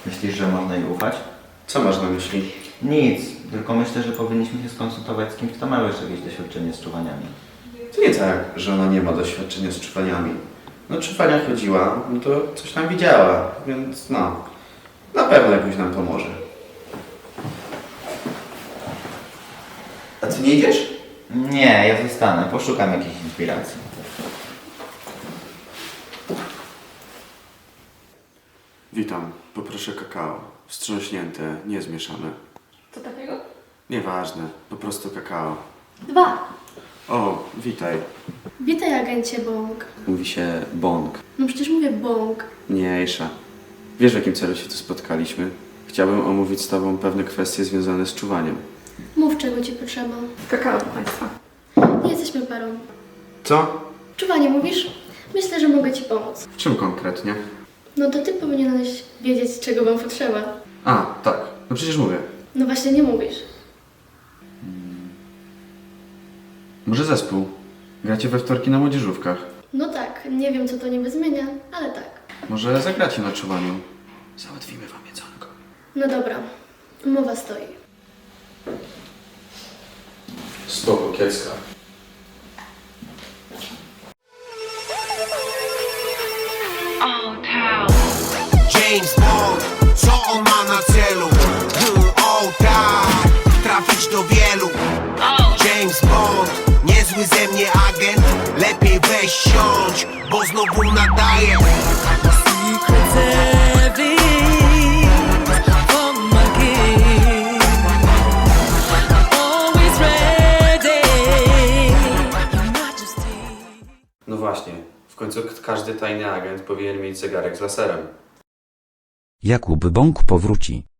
Myślisz, że można jej ufać? Co masz na myśli? Nic, tylko myślę, że powinniśmy się skonsultować z kimś, kto ma już jakieś doświadczenie z czuwaniami. To nie tak, że ona nie ma doświadczenia z czuwaniami. No czuwania chodziła, no to coś tam widziała, więc no, na pewno jakoś nam pomoże. A ty nie idziesz? Nie, ja zostanę, poszukam jakiejś inspiracji. Witam, poproszę kakao. Wstrząśnięte, nie zmieszane. Co takiego? Nieważne, po prostu kakao. 2. O, witaj. Witaj, agencie Bąk. Mówi się bąk. No przecież mówię Bąk. Mniejsza. Wiesz, w jakim celu się tu spotkaliśmy? Chciałbym omówić z tobą pewne kwestie związane z czuwaniem. Mów, czego ci potrzeba. Kakao do Państwa. Nie jesteśmy parą. Co? Czuwanie mówisz? Myślę, że mogę ci pomóc. W czym konkretnie? No to ty powinieneś wiedzieć, czego wam potrzeba. A, tak. No przecież mówię. No właśnie nie mówisz. Może zespół? Gracie we wtorki na młodzieżówkach. No tak, nie wiem, co to niby zmienia, ale tak. Może zagracie na czuwaniu? Załatwimy wam jedzonko. No dobra, umowa stoi. Spoko, kiecka. James Bond, co on ma na celu? O tak, trafić do wielu. James Bond, niezły ze mnie agent. Lepiej weź siądź, bo znowu nadaję. No właśnie, w końcu każdy tajny agent powinien mieć zegarek z laserem. Jakub Bąk powróci.